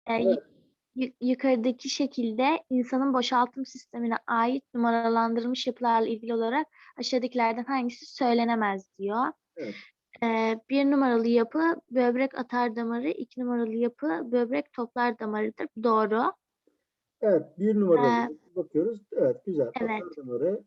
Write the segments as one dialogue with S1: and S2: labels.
S1: E, yu-
S2: Evet,
S1: Yukarıdaki şekilde insanın boşaltım sistemine ait numaralandırılmış yapılarla ilgili olarak aşağıdakilerden hangisi söylenemez diyor.
S2: evet.
S1: Bir numaralı yapı böbrek atar damarı, iki numaralı yapı böbrek toplar damarıdır. Doğru.
S2: Evet, bir numaralı
S1: Ee,
S2: bakıyoruz. Evet, güzel.
S1: evet.
S2: Atardım oraya.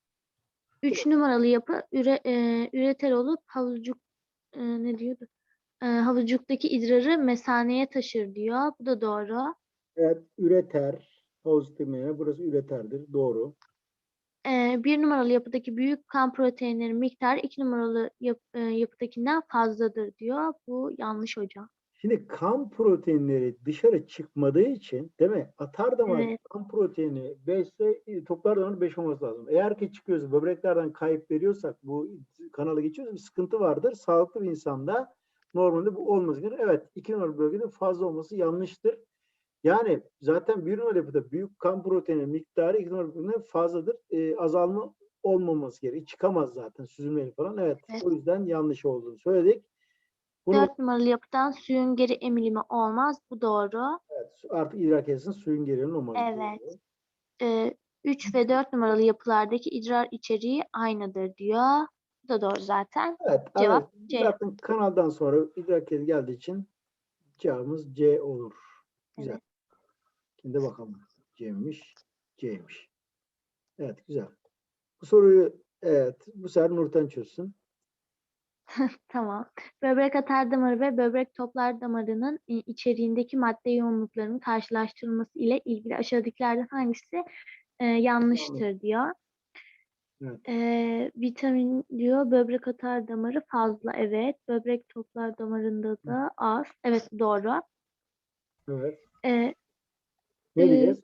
S1: Üç numaralı yapı üreter olup havucuk ne diyordu? Havucuktaki idrarı mesaneye taşır diyor. Bu da doğru.
S2: Evet, üreter. Pozitif yani burası üreterdir. Doğru.
S1: Bir numaralı yapıdaki büyük kan proteinlerin miktarı iki numaralı yapıdakinden fazladır diyor. Bu yanlış hocam.
S2: Şimdi kan proteinleri dışarı çıkmadığı için değil mi? Atar damar
S1: Evet.
S2: kan proteini 5 ise toplar damar 5 olması lazım. Eğer ki çıkıyorsa böbreklerden kayıp veriyorsak bu kanalı geçiyorsa bir sıkıntı vardır. Sağlıklı bir insanda normalde bu olması gerekir. Evet 2 numaralı bölgede fazla olması yanlıştır. Yani zaten bir numaralı yapıda büyük kan proteini miktarı 2 numaralı bölgede fazladır. Azalma olmaması gerekir. Çıkamaz zaten süzülmeli falan. Evet
S1: Evet.
S2: o yüzden yanlış olduğunu söyledik. Bunu
S1: Dört numaralı yapıdan suyun geri emilimi olmaz. Bu doğru.
S2: evet, artık idrar kesesinin suyun gerilim olmaz.
S1: Evet.
S2: Doğru.
S1: 3 ve 4 numaralı yapılardaki idrar içeriği aynıdır diyor. Bu da doğru zaten.
S2: Evet, evet.
S1: Cevap C.
S2: Zaten kanaldan sonra idrar kesesi geldiği için cevabımız C olur. Güzel.
S1: Evet.
S2: Şimdi bakalım. C'miş, C'miş. Evet, güzel. Bu soruyu evet, bu sefer Nurten çözsün.
S1: Tamam. Böbrek atar damarı ve böbrek toplar damarının içeriğindeki madde yoğunluklarının karşılaştırılması ile ilgili aşağıdakilerden hangisi
S2: Yanlış.
S1: yanlıştır diyor.
S2: Evet,
S1: Vitamin diyor böbrek atar damarı fazla. Evet. Böbrek toplar damarında da az. Evet doğru.
S2: evet.
S1: Ee,
S2: Ne diyeceğiz?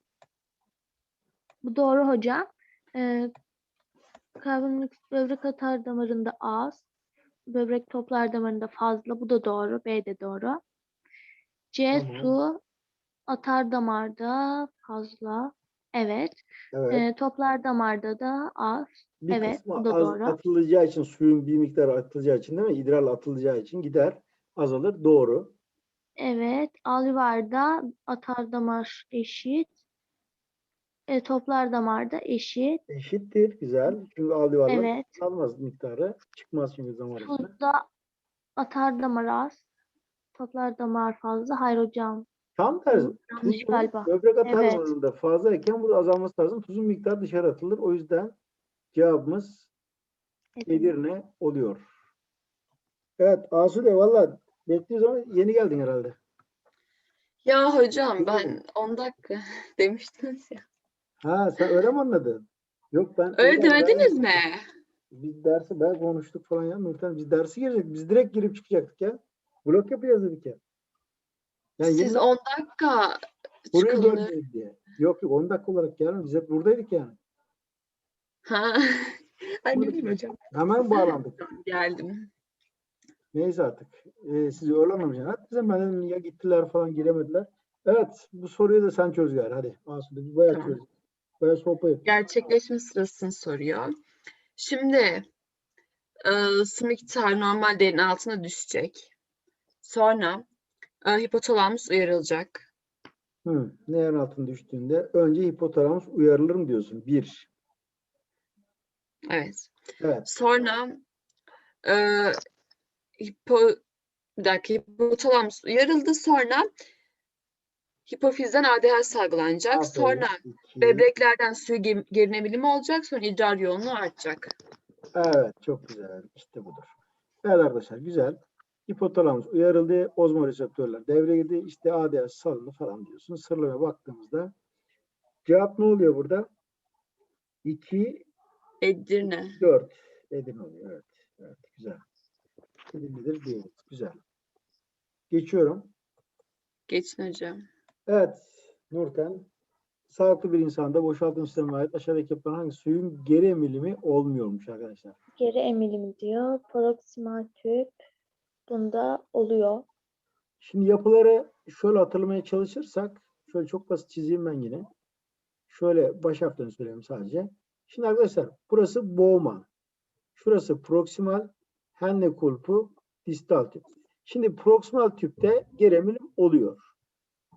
S1: Bu doğru hocam. Ee, Karbondioksit böbrek atar damarında az. Böbrek toplar damarında fazla. Bu da doğru. B de doğru. C
S2: Tamam.
S1: su atar damarda fazla. Evet.
S2: Evet.
S1: Toplar damarda da az.
S2: Bir
S1: Evet.
S2: kısmı
S1: Bu da
S2: az
S1: doğru.
S2: atılacağı için suyun bir miktarı atılacağı için değil mi? İdrarla atılacağı için gider, azalır. Doğru.
S1: Evet. Alüvarda atar damar eşit. Toplar damarda eşit.
S2: Eşittir. Güzel. Çünkü alüvarlar
S1: Evet.
S2: almaz miktarı. Çıkmaz çünkü zaman içinde.
S1: Fuzda atar damar az. Toplar damar fazla. Hayır hocam.
S2: Tam tersi.
S1: Bu yanlış
S2: Tuzun
S1: galiba.
S2: böbrek atar
S1: Evet.
S2: damarında fazlayken burada azalması lazım. Tuzun miktarı dışarı atılır. O yüzden cevabımız
S1: Edirne.
S2: Edirne oluyor. Evet Asude valla bekliyoruz ama yeni geldin herhalde.
S3: Ya hocam
S2: Bilmiyorum.
S3: ben 10 dakika demiştiniz ya.
S2: Ha sen öyle mi anladın? Yok ben
S3: Öyle
S2: oradan
S3: demediniz
S2: vermedim.
S3: mi?
S2: Biz dersi ben konuştuk falan ya Nurten. Biz dersi girecektik. Biz direkt girip çıkacaktık ya. Blok yapacağız dedik ya. Yani
S3: Siz
S2: yeni
S3: 10 dakika
S2: soruyu
S3: çıkalım.
S2: bölmeyiz diye. Yok yok 10 dakika olarak gelmedi. Biz hep buradaydık yani.
S3: Ha. Ay ne
S2: Yapmadık
S3: bileyim
S2: biz.
S3: hocam.
S2: Hemen bağlandık.
S3: Geldim.
S2: Neyse artık. Sizi öyle anlamayacaksın. Hatta ben dedim ya gittiler falan giremediler. Evet bu soruyu da sen çöz gari. Hadi. Asude biz bayağı
S3: Tamam.
S2: çözdük. Bayağı sohbet ettik.
S3: Gerçekleşme sırasını soruyor. Şimdi su miktarı normal değerin altına düşecek. Sonra hipotalamus uyarılacak.
S2: Ne yer altına düştüğünde önce hipotalamus uyarılır mı diyorsun? Bir.
S3: Evet.
S2: Evet.
S3: Sonra e, hipo, bir dakika, hipotalamus uyarıldı. Sonra hipofizden ADH salgılanacak. Sonra
S2: Aferin. İki.
S3: böbreklerden suyu gerinebilimi olacak. Sonra idrar yoğunluğu artacak.
S2: Evet. Çok güzel. İşte budur. Evet arkadaşlar güzel. Hipotalamus uyarıldı. Ozmoreseptörler devreye girdi. İşte ADH salındı falan diyorsun. Sıralamaya baktığımızda cevap ne oluyor burada? 2,
S3: Edirne.
S2: 4. Edirne oluyor. Evet. Evet. Güzel. Edirne'dir değil. Güzel. Geçiyorum.
S3: Geçin hocam.
S2: Evet. Nurten. Sağlıklı bir insanda boşaltım sistemine ait aşağıdaki yapılan hangi suyun geri emilimi olmuyormuş arkadaşlar.
S1: Geri emilimi diyor. Proksimal tüp bunda oluyor.
S2: Şimdi yapıları şöyle hatırlamaya çalışırsak şöyle çok basit çizeyim ben yine. Şöyle baş harflerini söyleyeyim sadece. Şimdi arkadaşlar burası boğma. Şurası proksimal, Henle kulpu, distal tüp. Şimdi proksimal tüpte geri emilim oluyor.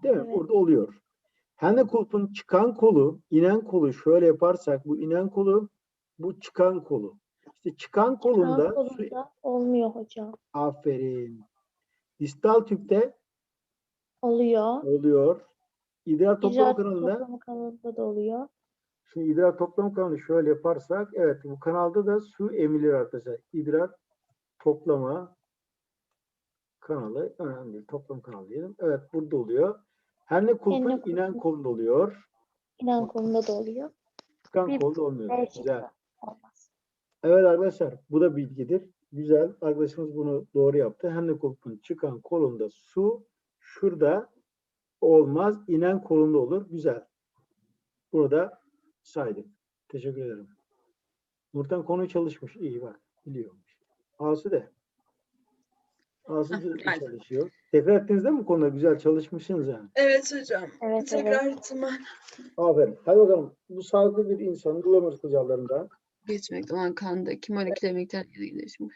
S2: Değil mi?
S1: Evet.
S2: Burada oluyor. Hannekulp'un çıkan kolu, inen kolu şöyle yaparsak bu inen kolu, bu çıkan kolu. İşte çıkan kolunda
S1: Sağ kolunda olmuyor hocam.
S2: aferin. Distal tüpte
S1: Oluyor.
S2: oluyor. İdrar toplama
S1: İcra
S2: kanalında
S1: toplama kanalında da oluyor.
S2: şimdi idrar toplama kanalı şöyle yaparsak evet bu kanalda da su emilir arkadaşlar. İdrar toplama kanalı önemli değil. Toplam kanalı diyelim. Evet burada oluyor. Hannekulp'un
S1: Hannekulp'un
S2: inen kolunda oluyor.
S1: inen kolunda da oluyor.
S2: Çıkan
S1: Bir
S2: kolda olmuyor.
S1: B
S2: Güzel.
S1: şıkkı olmaz.
S2: Evet arkadaşlar bu da bilgidir. Güzel. Arkadaşımız bunu doğru yaptı. Hannekulp'un çıkan kolunda su şurada olmaz. İnen kolunda olur. Güzel. Bunu da saydık. Teşekkür ederim. Nurten konuyu çalışmış. İyi bak. Biliyormuş. Asu de. Asu da
S3: geldim.
S2: çalışıyor. Tekrar ettiniz değil mi bu konuda? Güzel çalışmışsınız yani.
S3: Evet hocam.
S1: Evet,
S3: Tekrar ihtimal
S2: Aferin. Hadi bakalım. Bu sağlıklı bir insanın glomerus kılcallarında
S3: geçmekte olan kandaki moleküler miktarları değişimi.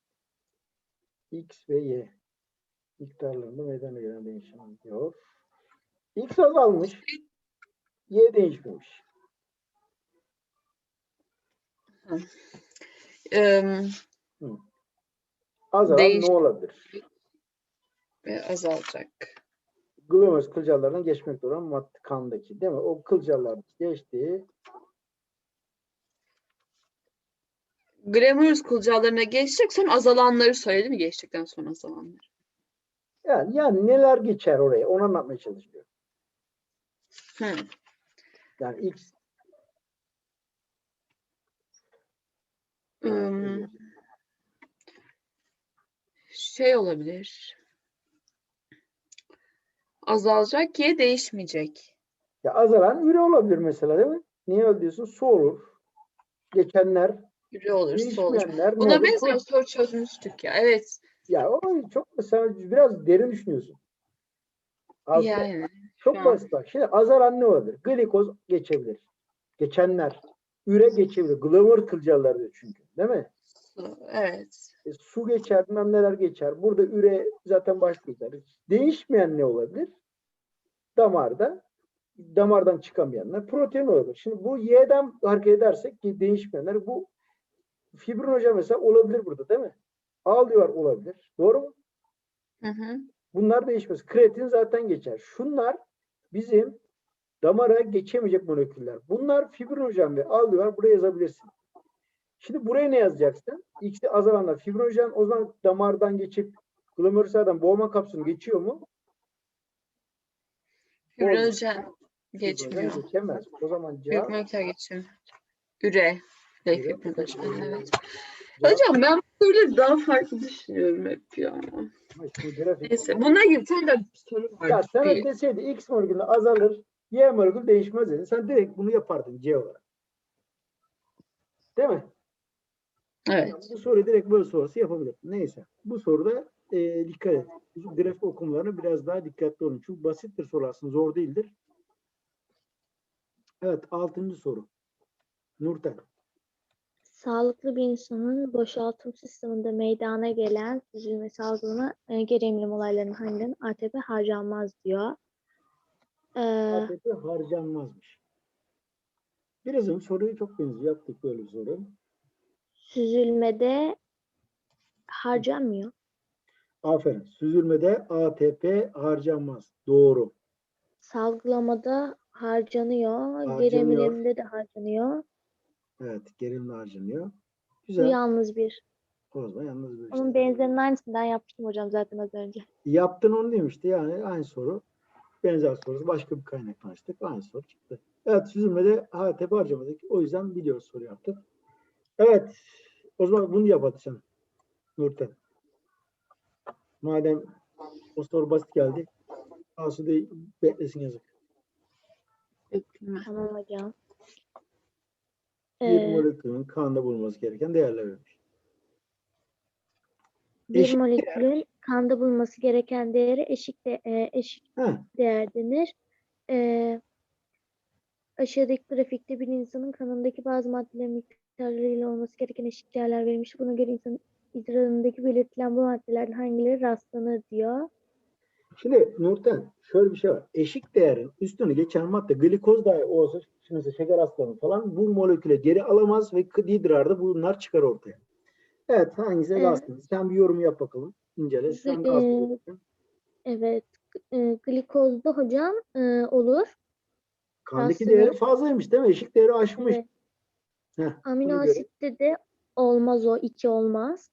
S2: X ve Y miktarlarında meydana gelen değişim diyor. X azalmış. Y değişmemiş. Azalan
S3: Değiş
S2: ne olabilir?
S3: ve azalacak.
S2: Glomerus kılcallarından geçmekte olan madde kandaki değil mi? O kılcallar geçtiği
S3: Glomerulus kılcallarına geçecek, sonra azalanları söyledi mi? Geçtikten sonra azalanları.
S2: yani neler geçer oraya? Onu anlatmaya çalışıyor.
S3: Hı.
S2: Yani X
S3: Şey olabilir. Azalacak, Y değişmeyecek.
S2: ya azalan üre olabilir mesela değil mi? Niye öyle diyorsun? Su olur. Geçenler,
S3: Yürü olur, su olur.
S2: değişmeyenler ne
S3: Buna
S2: olur?
S3: benzer soru çözmüştük ya. Evet.
S2: Ya o çok mesela biraz derin düşünüyorsun. Aslında
S3: Yani şu
S2: çok
S3: an
S2: basit bak. Şimdi azalan ne olabilir? Glikoz geçebilir. Geçenler. Üre geçebilir. Glomer kılcallar diyor çünkü. Değil mi?
S3: su. Evet.
S2: Su geçer, bilmem neler geçer. Burada üre zaten başlayacak. Değişmeyen ne olabilir? Damardan çıkamayanlar protein olabilir. Şimdi bu Y'den hareket edersek ki değişmeyenler bu fibrinojen mesela olabilir burada değil mi? Ağlıyor olabilir. Doğru mu?
S3: Hı hı.
S2: Bunlar değişmez. Kreatin zaten geçer. Şunlar bizim damara geçemeyecek moleküller. Bunlar fibrinojen ve ağlıyor. Buraya yazabilirsin. Şimdi buraya ne yazacaksın? X'i azalanlar fibrinojen o zaman damardan geçip glomerülerden boğma kapsülü geçiyor mu?
S3: Fibrinojen
S2: Fibrinojen
S3: geçmiyor.
S2: geçemez. O zaman
S3: Büyük
S2: cevap
S3: miktar geçiyor. Üre ve
S2: Üre.
S3: fibrinojen. Evet.
S2: Cevap
S3: Hocam ben böyle daha farklı düşünüyorum hep ya.
S2: işte grafik.
S3: Neyse. Bununla ilgili bir tane de bir soru var.
S2: Ya sana
S3: Bir,
S2: deseydi X molekülü azalır, Y molekülü değişmez dedi. Sen direkt bunu yapardın C olarak. Değil mi?
S3: evet.
S2: Yani bu soruyu direkt böyle sorusu yapabilirsin. Neyse. Bu soruda dikkat et. Bu grafik okumalarına biraz daha dikkatli olun. Çünkü basit bir soru aslında zor değildir. Evet. 6. soru. Nurten.
S1: Sağlıklı bir insanın boşaltım sisteminde meydana gelen süzülme salgılama geri emilim olaylarının hangilerinin ATP harcanmaz diyor.
S2: ATP harcanmazmış. Birazın soruyu çok benziyor. Yaptık böyle bir soru.
S1: Süzülmede harcanmıyor.
S2: Aferin. Süzülmede ATP harcanmaz. Doğru.
S1: Salgılamada harcanıyor. Geri
S2: Harcanıyor.
S1: emilimde de harcanıyor.
S2: Evet. Gerilimle harcanıyor.
S1: Bu
S2: Güzel.
S1: yalnız bir.
S2: O zaman yalnız bir işte.
S1: Onun benzerinin aynısından yapmıştım hocam zaten az önce.
S2: Yaptın onu demişti. Yani aynı soru. Benzer sorusu. Başka bir kaynaktan açtık. Aynı soru çıktı. Evet. Süzülmede ATP harcamadık. O yüzden biliyoruz soru yaptık. Evet. O zaman bunu yap hadi sen. Nurten. Madem o soru basit geldi. Asude beklesin yazık.
S3: Bekleme.
S1: Tamam hocam.
S2: Bir
S1: Ee,
S2: molekülün kanda bulunması gereken değerler vermiş.
S1: bir
S2: Eşik
S1: molekülün kanda bulunması gereken değeri eşik
S2: Heh,
S1: değer denir. Ee, Aşağıdaki grafikte bir insanın kanındaki bazı maddelerin miktarlarıyla olması gereken eşik değerler verilmiş. Buna göre insanın idrarındaki belirtilen bu maddelerden hangileri rastlanır diyor.
S2: Şimdi Nurten şöyle bir şey var. Eşik değerin üstünü geçen madde glikoz dahi olsa, şimdi mesela şeker hastalığı falan bu moleküle geri alamaz ve idrarda bunlar çıkar ortaya. Evet, hangisi
S1: Ee,
S2: gazlı? Sen bir yorum yap bakalım. İncele. Sen gazlı
S1: e,
S2: diyorsun.
S1: evet. Glikozda hocam olur.
S2: Kandaki değeri
S1: Rastlanır.
S2: fazlaymış değil mi? Eşik değeri aşmış.
S1: Evet.
S2: Heh,
S1: Amino
S2: buna göre.
S1: asitte de olmaz o. 2 olmaz.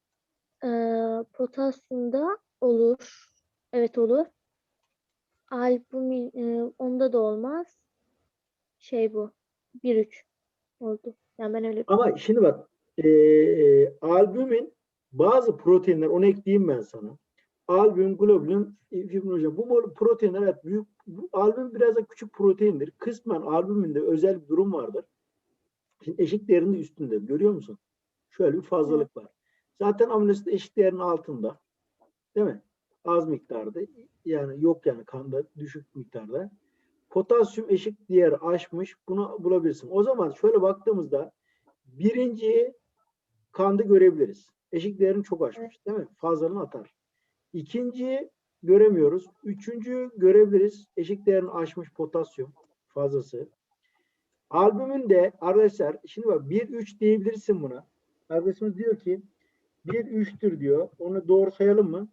S1: Potasyumda olur. Evet olur. Albumin onda da olmaz. Şey bu. 1-3 oldu. Yani ben öyle
S2: Ama
S1: biliyorum.
S2: şimdi bak albümin bazı proteinler, onu ekleyeyim ben sana. Albüm, globulin, fibrinojen. Bu proteinler evet büyük. Albüm biraz da küçük proteindir. Kısmen albüminde özel bir durum vardır. Şimdi eşik değerinin üstünde. Görüyor musun? Şöyle bir
S1: Evet.
S2: fazlalık var. Zaten amino asit eşik değerinin altında. Değil mi? Az miktarda. Yani yok yani kanda düşük miktarda. Potasyum eşik değeri aşmış. Bunu bulabilirsin. O zaman şöyle baktığımızda birinciyi kanda görebiliriz. Eşik değerini çok
S1: Evet.
S2: aşmış. Değil mi? Fazlalığını atar. İkinciyi göremiyoruz. Üçüncüyü görebiliriz. Eşik değerini aşmış potasyum fazlası. Albümün de arkadaşlar şimdi bak 1-3 diyebilirsin buna. Arkadaşımız diyor ki 1-3'tür diyor. Onu doğru sayalım mı?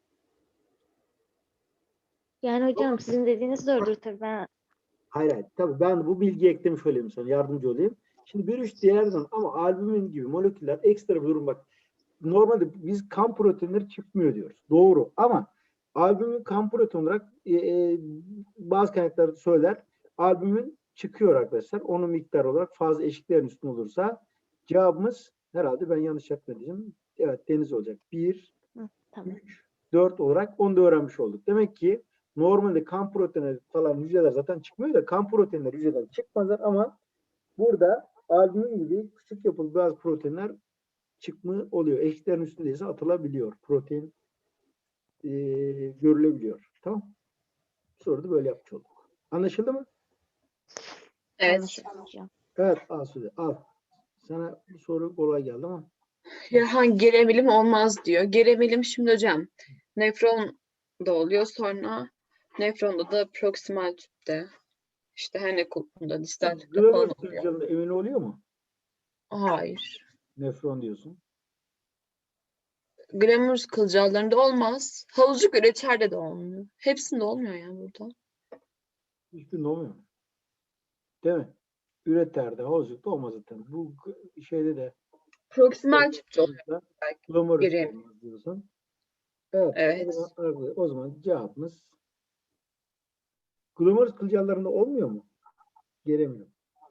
S1: Yani hocam sizin dediğiniz doğrudur tabii. Ben
S2: Hayır hayır. Tabii ben bu bilgiyi eklemiş olayım sana. Yardımcı olayım. Şimdi 1-3 diğerden ama albümin gibi moleküller ekstra bir durum bak. Normalde biz kan proteinleri çıkmıyor diyoruz. Doğru ama albümin kan protein olarak bazı kaynaklar söyler. Albümin çıkıyor arkadaşlar. Onun miktar olarak fazla eşiklerin üstün olursa cevabımız herhalde ben yanlış yapmadım. Evet deniz olacak. 1,
S1: tamam.
S2: 3, 4 olarak onu da öğrenmiş olduk. Demek ki normalde kan proteinleri falan hücreler zaten çıkmıyor da kan proteinleri hücreden çıkmazlar ama burada albümin gibi küçük yapılı bazı proteinler çıkma oluyor. Eşiklerin üstündeyse atılabiliyor. Protein e, görülebiliyor. Tamam. Soruyu da böyle yapmış olduk. Anlaşıldı mı?
S3: Evet.
S1: Anlaşıldı hocam.
S2: Evet Asude al. Sana bu soru kolay geldi ama
S3: Ya hangi geremilim olmaz diyor. Geremilim şimdi hocam. Nefron da oluyor. Sonra nefronda da proksimal tüpte. İşte her kulpunda, distal tüpte falan
S2: glomerulus
S3: oluyor.
S2: kılcalında emin oluyor mu?
S3: Hayır.
S2: Nefron diyorsun.
S3: Glomerulus kılcallarında olmaz. Havucuk üreçerde de olmuyor. Hepsinde olmuyor yani burada.
S2: Hiçbirinde olmuyor. Değil mi? Üreterde, havuzlukta olmaz zaten. Bu şeyde de
S3: Proksimal tüpte oluyor belki.
S2: glomerulus da
S3: Geremilim.
S2: olmaz diyorsun. Evet.
S3: Evet.
S2: O zaman cevabımız glomerulus kılcallarında olmuyor mu? Geremiyor.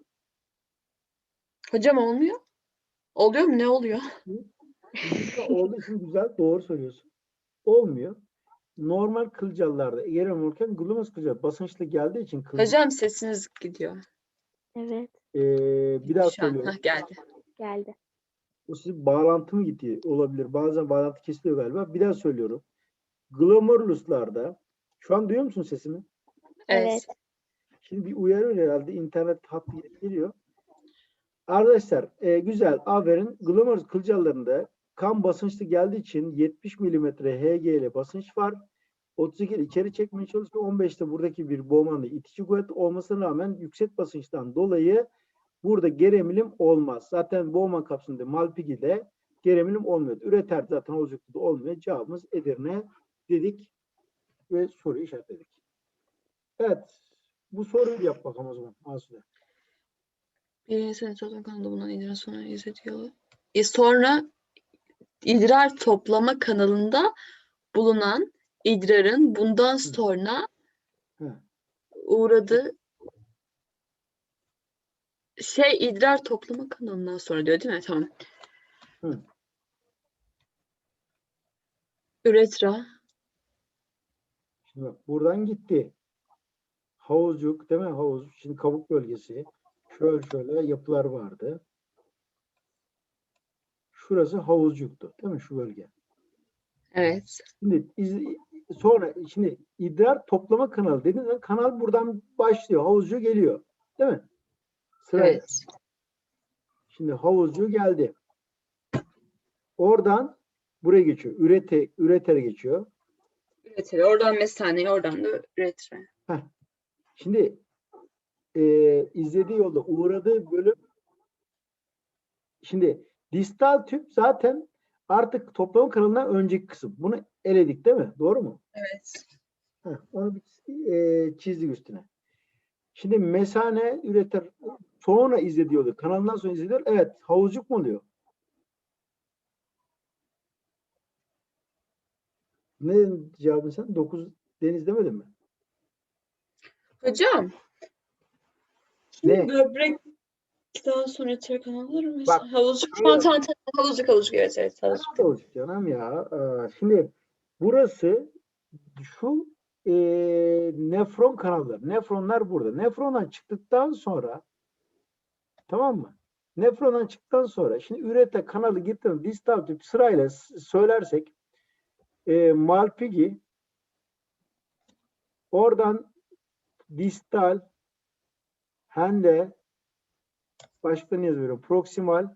S3: Hocam olmuyor. Oluyor mu? Ne oluyor?
S2: Burada olduğu için güzel, doğru söylüyorsun. Olmuyor. Normal kılcallarda gerem olurken glomerulus kılcal basınçlı geldiği için
S3: Hocam sesiniz gidiyor.
S1: Evet.
S2: bir daha
S3: Şu an
S2: söylüyorum.
S3: geldi.
S1: Geldi.
S2: O sizin bağlantı mı gitti? Olabilir. Bazen bağlantı kesiliyor galiba. Bir daha söylüyorum. Glomeruluslarda şu an duyuyor musun sesimi?
S3: Evet.
S1: Evet.
S2: Şimdi bir uyarı herhalde. İnternet hattı geliyor. Arkadaşlar güzel. Aferin. Glomerulus kılcallarında kan basınçlı geldiği için 70 mm Hg ile basınç var. 32 içeri çekmeye çalışıyor. 15'te buradaki bir Bowman'da itici kuvvet olmasına rağmen yüksek basınçtan dolayı burada geremilim olmaz. Zaten Bowman kapsülünde Malpighi'de geremilim olmuyor. Üreter zaten olacakta da olmuyor. Cevabımız Edirne dedik ve soruyu işaretledik. Evet. Bu soruyu yap bakalım o zaman Asude.
S3: Bir insan toplama kanalında bulunan idrar sonra izletiyor. Sonra idrar toplama kanalında bulunan idrarın bundan sonra
S2: Hı.
S3: uğradığı idrar toplama kanalından sonra diyor değil mi? Tamam.
S2: Hı.
S3: Üretra.
S2: Şimdi bak buradan gitti. Havuzcuk değil mi? Havuz. Şimdi kabuk bölgesi. Şöyle yapılar vardı. Şurası havuzcuktu. Değil mi? Şu bölge.
S3: Evet.
S2: Şimdi şimdi idrar toplama kanalı dediğiniz zaman kanal buradan başlıyor. Havuzcu geliyor. Değil mi? Sırayla.
S3: Evet.
S2: Şimdi havuzcu geldi. Oradan buraya geçiyor. Üretere geçiyor.
S3: Üreteri. Oradan mesaneye, oradan da üretire.
S2: Şimdi izlediği yolda uğradığı bölüm, şimdi distal tüp zaten artık toplama kanalından önceki kısım. Bunu eledik değil mi? Doğru mu?
S3: Evet.
S2: Onu bir çizdik üstüne. Şimdi mesane üretir. Sonra izlediği yolda. Kanalından sonra izlediyor. Evet. Havuzcuk mu oluyor? Ne cevabın sen? 9 deniz demedin mi?
S3: Hocam.
S2: Ne?
S3: Böbrekten sonra üreteri kanalları mı?
S2: Bak,
S3: Havuzcuk.
S2: şöyle-
S3: Tamam. Havuzcuk. Evet, evet. Havuzcuk.
S2: Kanal da olacak canım ya. Şimdi burası şu nefron kanalları. Nefronlar burada. Nefrondan çıktıktan sonra, tamam mı? Nefrondan çıktıktan sonra şimdi ürete kanalı gittiğinde distal tüp sırayla söylersek Malpighi, oradan distal, Henle, başka ne yazıyorum? Proksimal,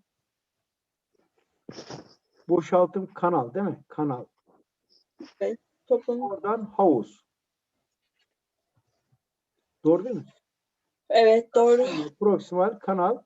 S2: boşaltım kanal değil mi? Kanal.
S3: Toplam.
S2: Oradan havuz. Doğru değil mi?
S3: Evet, doğru.
S2: Proksimal kanal.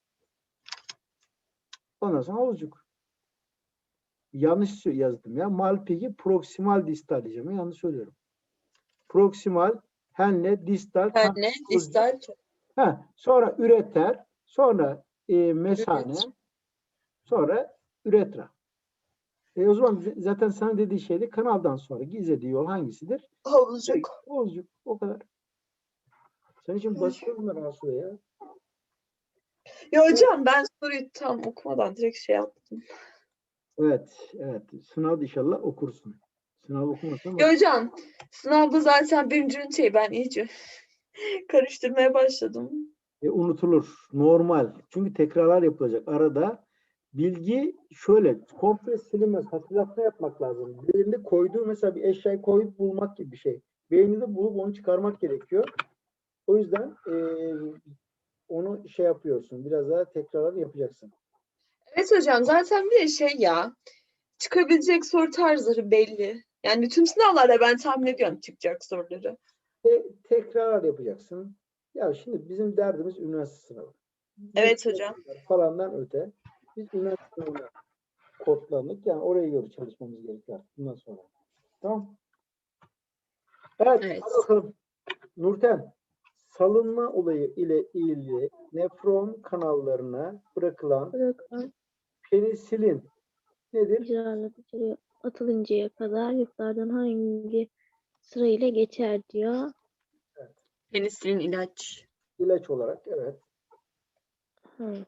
S2: Ondan sonra havuzcuk. Yanlış yazdım ya. Malpighi proksimal distal diyeceğim. Yanlış söylüyorum. Proksimal, henle, distal, kanal,
S3: Yani
S2: havuzcuk.
S3: distal.
S2: Sonra üreter, sonra mesane,
S3: Üret.
S2: sonra üretra. O zaman zaten sana dediği şeydi, kanaldan sonra gizlediği yol hangisidir?
S3: Havuzcuk.
S2: Havuzcuk. O kadar. Sen için basıyorum ben Asu'ya ya.
S3: Ya hocam ben soruyu tam okumadan direkt şey yaptım.
S2: Evet. Sınavda inşallah okursun. Sınav okumasan
S3: Ya hocam sınavda zaten birinci üniteyi ben iyice karıştırmaya başladım.
S2: unutulur. Normal. Çünkü tekrarlar yapılacak. Arada bilgi şöyle komple silinmez. Hatırlatma yapmak lazım. Beyninde koyduğu mesela bir eşyayı koyup bulmak gibi bir şey. Beyninde bulup onu çıkarmak gerekiyor. O yüzden onu şey yapıyorsun. Biraz daha tekrarlar yapacaksın.
S3: Evet hocam zaten bir de şey ya çıkabilecek soru tarzları belli. Yani bütün sınavlarda ben tahmin ediyorum çıkacak soruları.
S2: Tekrarlar yapacaksın. Ya şimdi bizim derdimiz üniversite sınavı.
S3: Evet hocam.
S2: Falandan öte. Biz üniversite sınavına kodlandık. Yani oraya göre çalışmamız gerekiyor bundan sonra. Tamam. Evet.
S3: Evet.
S2: Hadi bakalım. Nurten, salınma olayı ile ilgili nefron kanallarına bırakılan
S1: Bırakılan
S2: penisilin nedir?
S1: hücreler dışarıya atılıncaya kadar yukarıdan hangi sırayla geçer diyor.
S3: Penisilin ilaç.
S2: İlaç olarak evet.
S1: Hı.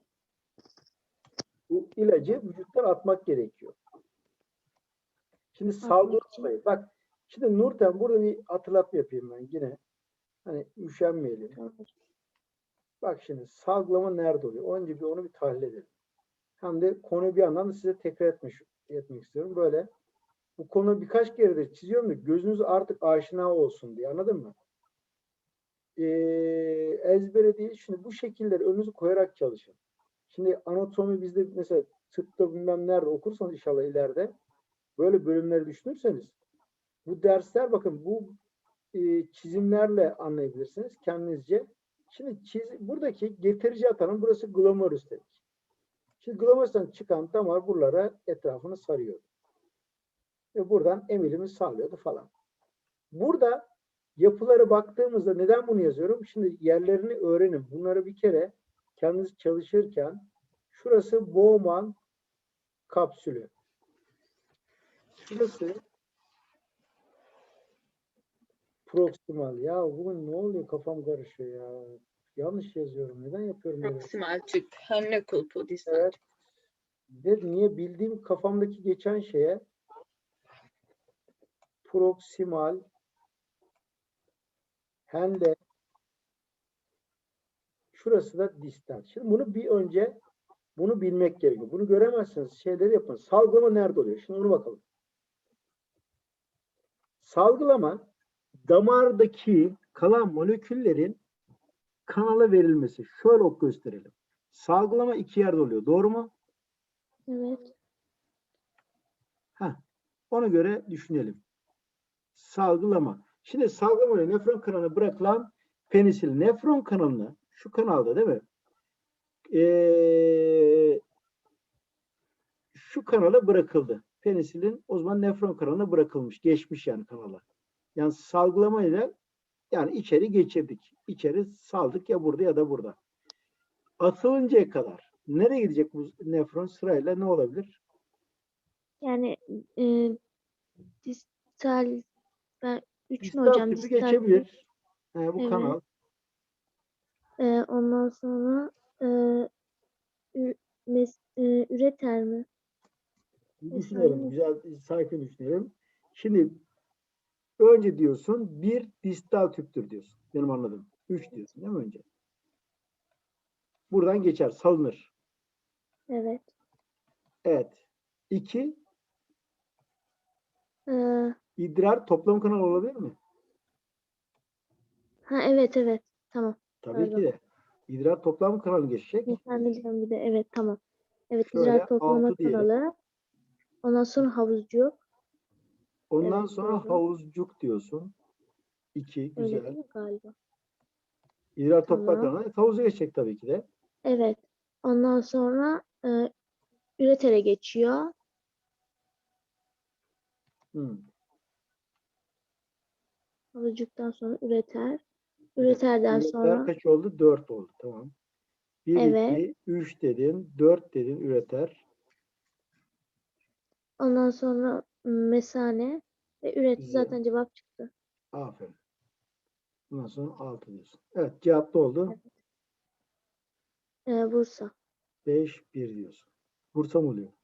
S2: Bu ilacı vücuttan atmak gerekiyor. Şimdi salgılama
S1: için.
S2: olayı. Bak şimdi Nurten burada bir hatırlatma yapayım ben yine. Hani üşenmeyelim.
S1: Tamam.
S2: Bak şimdi salgılama nerede oluyor? Önce bir onu bir tahlil edelim. Hem de konuyu bir yandan da size tekrar etmek istiyorum. Böyle bu konu birkaç kere de çiziyorum da gözünüz artık aşina olsun diye. Anladın mı? Ezbere değil. Şimdi bu şekilleri önünüze koyarak çalışın. Şimdi anatomi bizde mesela tıpta bilmem nerede okursanız inşallah ileride böyle bölümleri düşünürseniz bu dersler bakın bu çizimlerle anlayabilirsiniz kendinizce. Şimdi buradaki getirici atanın burası glomerus dedik. Şimdi glomerus'tan çıkan damar buralara etrafını sarıyor. Ve buradan emilimi sağlıyordu falan. Burada yapılara baktığımızda neden bunu yazıyorum? Şimdi yerlerini öğrenin. Bunları bir kere kendiniz çalışırken şurası Bowman kapsülü. Şurası proksimal. Ya bugün ne oluyor? Kafam karışıyor ya. Yanlış yazıyorum. Neden yapıyorum böyle?
S3: Proksimal tüp. Henle kulpu. Distal
S2: Evet.
S3: tüp.
S2: Niye bildiğim kafamdaki geçen şeye proksimal henle şurası da distal. Şimdi bunu bir önce bunu bilmek gerekiyor. Bunu göremezseniz şeyleri yapın. Salgılama nerede oluyor? Şimdi onu bakalım. Salgılama damardaki kalan moleküllerin kanala verilmesi. Şöyle gösterelim. Salgılama iki yerde oluyor. Doğru mu?
S1: Evet.
S2: Ona göre düşünelim. salgılama. Şimdi salgılama ile nefron kanalına bırakılan penisilin. Nefron kanalına şu kanalda değil mi? Şu kanala bırakıldı. Penisilin o zaman nefron kanalına bırakılmış. Geçmiş yani kanala. Yani salgılamayla yani içeri geçirdik. İçeri saldık ya burada ya da burada. Atılıncaya kadar nereye gidecek bu nefron sırayla ne olabilir?
S1: Yani distal, ben 3 mü
S2: Distal
S1: hocam?
S2: tüpü
S1: Distal tüp.
S2: geçebilir. Bu
S1: Evet.
S2: kanal.
S1: Ondan sonra üreter mi?
S2: Düşünelim. Güzel, sakin düşünelim. Şimdi önce diyorsun bir distal tüptür diyorsun. Benim anladığım. 3 diyorsun değil mi önce? Buradan geçer, salınır.
S1: Evet.
S2: Evet. 2
S1: Ee,
S2: idrar toplam kanal olabilir mi?
S1: evet. Tamam.
S2: Tabii
S1: Pardon.
S2: ki de. İdrar toplam kanalı geçecek.
S1: Efendim bir de evet tamam. Evet,
S2: Şöyle
S1: idrar toplama
S2: 6 diyelim.
S1: kanalı. Ondan sonra havuzcuk.
S2: Ondan
S1: Evet,
S2: sonra
S1: doğru.
S2: havuzcuk diyorsun. 2
S1: Öyle
S2: güzel.
S1: değil mi galiba?
S2: İdrar toplam
S1: Tamam.
S2: kanalı havuza geçecek tabii ki de.
S1: Evet. Ondan sonra üretere geçiyor. Havuzcuktan sonra üreter. Üreterden
S2: Üretler
S1: sonra
S2: kaç oldu? 4 oldu. Tamam. 1,
S1: evet.
S2: 2, 3 dedin. 4 dedin üreter.
S1: Ondan sonra mesane ve üretti,
S2: Güzel.
S1: zaten cevap çıktı.
S2: Aferin. Ondan sonra 6 diyorsun. Evet, cevap ne oldu?
S1: Bursa.
S2: 5, 1 diyorsun. Bursa mı oluyor?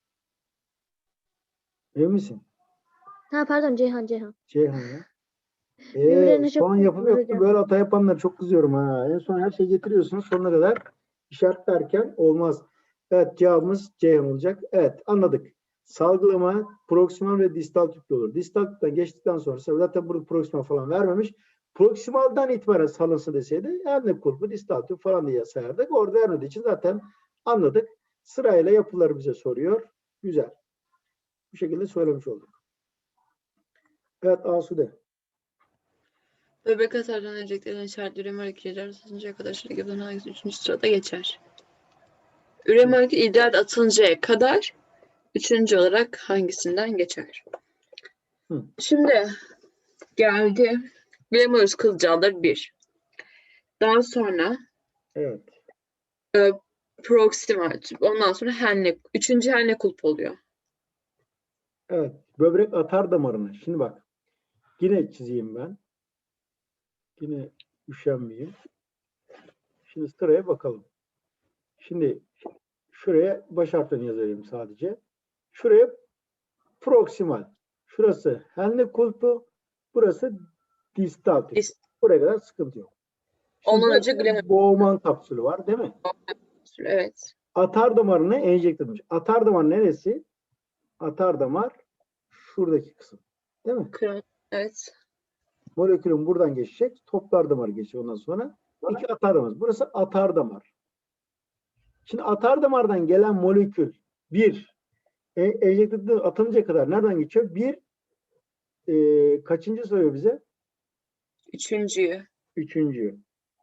S2: Emin misin?
S1: Pardon, Ceyhan.
S2: Ceyhan ya.
S1: Birbirlerine çok
S2: Son yapım
S1: benziyorlar
S2: yoktu.
S1: hocam.
S2: Böyle hata yapanlar çok kızıyorum ha. En son her şeyi getiriyorsunuz sonuna kadar. İşaretlerken olmaz. Evet, cevabımız Ceyhan olacak. Evet, anladık. Salgılama proksimal ve distal tüplü olur. Distal tüpten geçtikten sonra zaten burada proksimal falan vermemiş. Proksimaldan itibaren salınsı deseydi anne kulpu, distal tüp falan diye sayardık. Orada vermediği için zaten anladık. Sırayla yapıları bize soruyor. Güzel. Bu şekilde söylemiş olduk. Evet, Asude.
S3: Böbrek atardan enjektörden işaretli üreme molekülleri atılıncaya kadar şirketin hangisi 3. sırada geçer? Üreme molekülü idrar atılıncaya kadar 3. olarak hangisinden geçer?
S2: Hı.
S3: Şimdi geldi. Glamorous kılcaldır 1. Daha sonra
S2: Evet.
S3: proximal tüp. Ondan sonra henle. 3. henle kulp oluyor.
S2: Evet. Böbrek atar damarını. Şimdi bak. Yine çizeyim ben. Yine üşenmeyeyim. Şimdi sıraya bakalım. Şimdi şuraya baş harflerini yazayım sadece. Şuraya proksimal. Şurası henle kulpu. Burası distal tüp. Buraya kadar sıkıntı yok. Şimdi
S3: Ondan önce
S2: burası
S3: glamorous
S2: Bowman kapsülü var değil mi?
S3: evet.
S2: Atar damarına enjekte edilmiş. Atar damar neresi? Atar damar şuradaki kısım. Değil mi?
S3: Evet.
S2: Molekülün buradan geçecek. Toplar damarı geçiyor ondan sonra. 2 atar damar. Burası atar damar. Şimdi atar damardan gelen molekül bir enjekte atılınca kadar nereden geçiyor? Bir kaçıncı soruyor bize?
S3: 3.
S2: Üçüncü.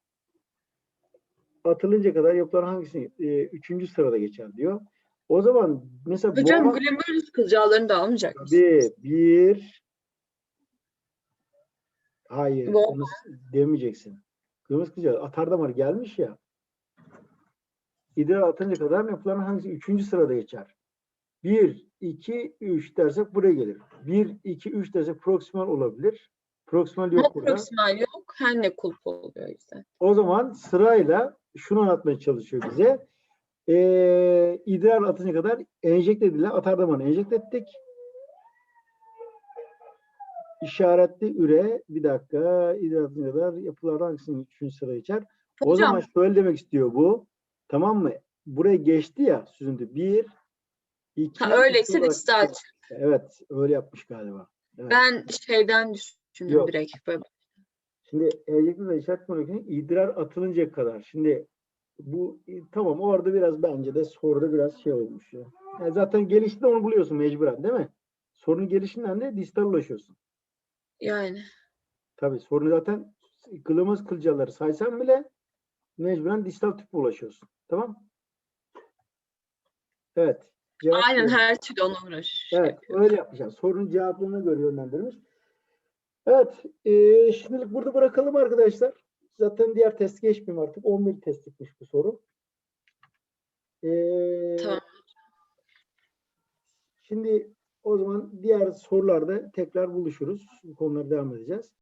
S2: Atılınca kadar yapılan hangisi? Üçüncü sırada geçer diyor. O zaman mesela
S3: Hocam
S2: Bowman
S3: glamorous kılcallarını da almayacak mısın?
S2: bir hayır
S3: Bu
S2: onu demeyeceksin. Kırmızı kılcal atar damar gelmiş ya. İdrar atınca kadar yapılan hangisi? Üçüncü sırada geçer. 1, 2, 3 dersek buraya gelir. 1, 2, 3 dersek proksimal olabilir. Proksimal yok burada.
S3: proximal yok. Henle kulp oluyor işte.
S2: O zaman sırayla şunu anlatmaya çalışıyor bize. İdrar atınca kadar enjekte edilen atar damarını enjekte ettik. İşaretli üre bir dakika idrar atınca kadar yapılar hangisinin 3. sıraya geçer? O
S3: Hocam.
S2: zaman şöyle demek istiyor bu. Tamam mı? Buraya geçti ya süzüntü. 1, 2,
S3: Öyleyse distal.
S2: Evet, öyle yapmış galiba. Evet.
S3: Ben şeyden düşündüm
S2: Yok.
S3: direkt. Böyle.
S2: Şimdi enjekte ve işaret molekülü idrar atılıncaya kadar. Şimdi bu tamam orada biraz bence de soruda biraz şey olmuş ya. Yani zaten gelişinde onu buluyorsun mecburen değil mi? Sorunun gelişinden de distal ulaşıyorsun.
S3: Yani
S2: Tabii sorun zaten kılımız kılcaları saysan bile mecburen distal tüpe ulaşıyorsun. Tamam? Evet. Cevap
S3: aynen
S2: verin.
S3: her türlü ona uğraş
S2: Evet.
S3: yapıyor.
S2: Öyle yapmış. Yani sorunun cevaplarına göre yönlendirmiş. Evet. Şimdilik burada bırakalım arkadaşlar. Zaten diğer test geçmeyeyim artık. 11 testlikmiş bu soru.
S3: Tamam.
S2: Şimdi o zaman diğer sorularda tekrar buluşuruz. Bu konulara devam edeceğiz.